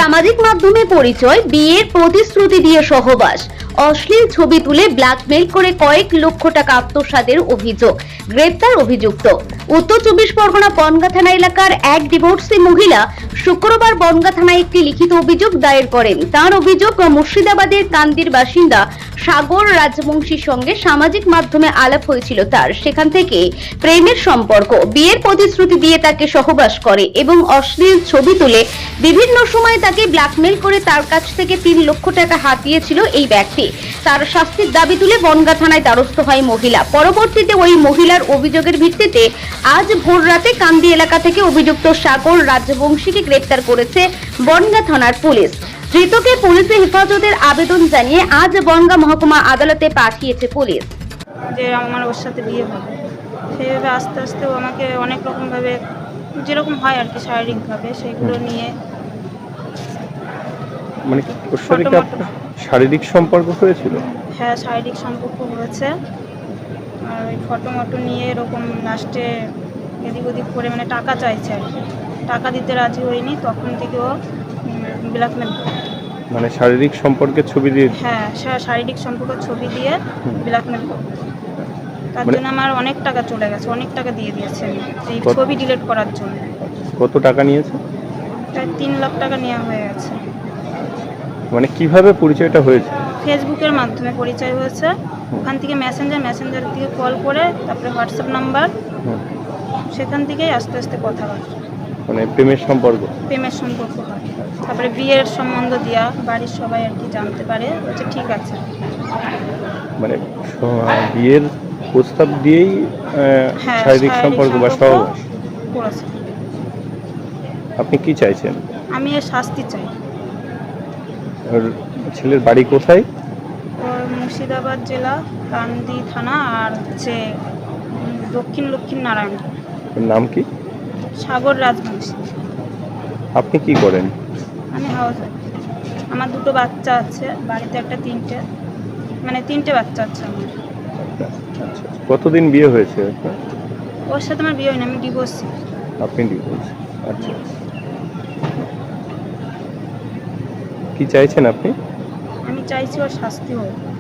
সামাজিক মাধ্যমে পরিচয়, বিয়ের প্রতিশ্রুতি দিয়ে সহবাস, অশ্লীল ছবি তুলে ব্ল্যাকমেইল করে কয়েক লক্ষ টাকা আত্মসাতের অভিযোগ। গ্রেপ্তার অভিযুক্ত। উত্তর 24 পরগনা বনগাঁ থানা এলাকার এক ডিভোর্সি মহিলা শুক্রবার বনগাঁ থানায় একটি লিখিত অভিযোগ দায়ের করেন। তার অভিযোগ, মুর্শিদাবাদের কান্দির বাসিন্দা সাগর রাজবংশীর সঙ্গে সামাজিক মাধ্যমে আলাপ হয়েছিল তার। সেখান থেকে প্রেমের সম্পর্ক, বিয়ের প্রতিশ্রুতি দিয়ে তাকে সহবাস করে এবং অশ্লীল ছবি তুলে বিভিন্ন সময় তাকে ব্ল্যাকমেইল করে তার কাছ থেকে 3 লক্ষ টাকা হাতিয়েছিল এই ব্যক্তি। তার শাস্তির দাবি তুলে বনগাঁ থানায় দ্বারস্থ হয় মহিলা। পরবর্তীতে ওই মহিলার অভিযোগের ভিত্তিতে আজ ভোর রাতে কান্দি এলাকা থেকে অভিযুক্ত সাগর রাজবংশীকে গ্রেপ্তার করেছে বনগাঁ থানার পুলিশ। ধৃতকে পুলিশের হেফাজতের আবেদন জানিয়ে আজ বনগাঁ মহকুমা আদালতে পাঠিয়েছে পুলিশ। যে আমার ওর সাথে বিয়ে হবে, সেইভাবে আস্তে আস্তে ও আমাকে অনেক রকমভাবে, যেরকম হয় আর কি শারীরিকভাবে, সেগুলো নিয়ে মানে ওর সাথে কি আপনার শারীরিক সম্পর্ক হয়েছিল? হ্যাঁ, শারীরিক সম্পর্ক হয়েছে। আর ওই ফটো নিয়ে এরকম লাস্টে এদিক ওদিক করে মানে টাকা চাইছে আর কি। টাকা দিতে রাজি হয়নি, তখন থেকে ও ব্ল্যাকমেল। মানে শারীরিক সম্পর্কের ছবি দিয়ে? হ্যাঁ, শারীরিক সম্পর্কের ছবি দিয়ে ব্ল্যাকমেল করে। তার জন্য আমার অনেক টাকা চলে গেছে, অনেক টাকা দিয়ে দিয়েছে এই ছবি ডিলিট করার জন্য। কত টাকা নিয়েছে? প্রায় 3 লাখ টাকা নেওয়া হয়ে গেছে। মানে কিভাবে পরিচয়টা হয়েছে? ফেসবুকের মাধ্যমে পরিচয় হয়েছে। ওখান থেকে মেসেঞ্জার থেকে কল করে, তারপরে হোয়াটসঅ্যাপ নাম্বার, সেখান থেকেই আস্তে আস্তে কথাবার্তা, মানে প্রেমের সম্পর্ক হয়। তারপরে বিয়ের সম্বন্ধ দেওয়া, বাড়ির সবাই আর কি জানতে পারে, বলছে ঠিক আছে। মানে বিয়ের প্রস্তাব দিয়েই শারীরিক সম্পর্ক বা সহবাস করেছে। আপনি কি চাইছেন? আমি এর শাস্তি চাই। ওর ছেলের বাড়ি কোথায়? ওর মুর্শিদাবাদ জেলা, কান্দি থানা, আর হচ্ছে দক্ষিণ নারায়ণ। ওর নাম কি? সাগর রাজবংশী। আপনি কি করেন? আমি হাউস ওয়াইফ। আমার 2টো বাচ্চা আছে বাড়িতে, একটা 3টে বাচ্চা আছে আমার। আচ্ছা, কতদিন বিয়ে হয়েছে আপনার? ওর সাথে আমার বিয়ে হয়নি, আমি ডিভোর্সি। আপনি ডিভোর্স? আচ্ছা, কি চাইছেন আপনি? আমি চাইছি ওর শাস্তি হোক।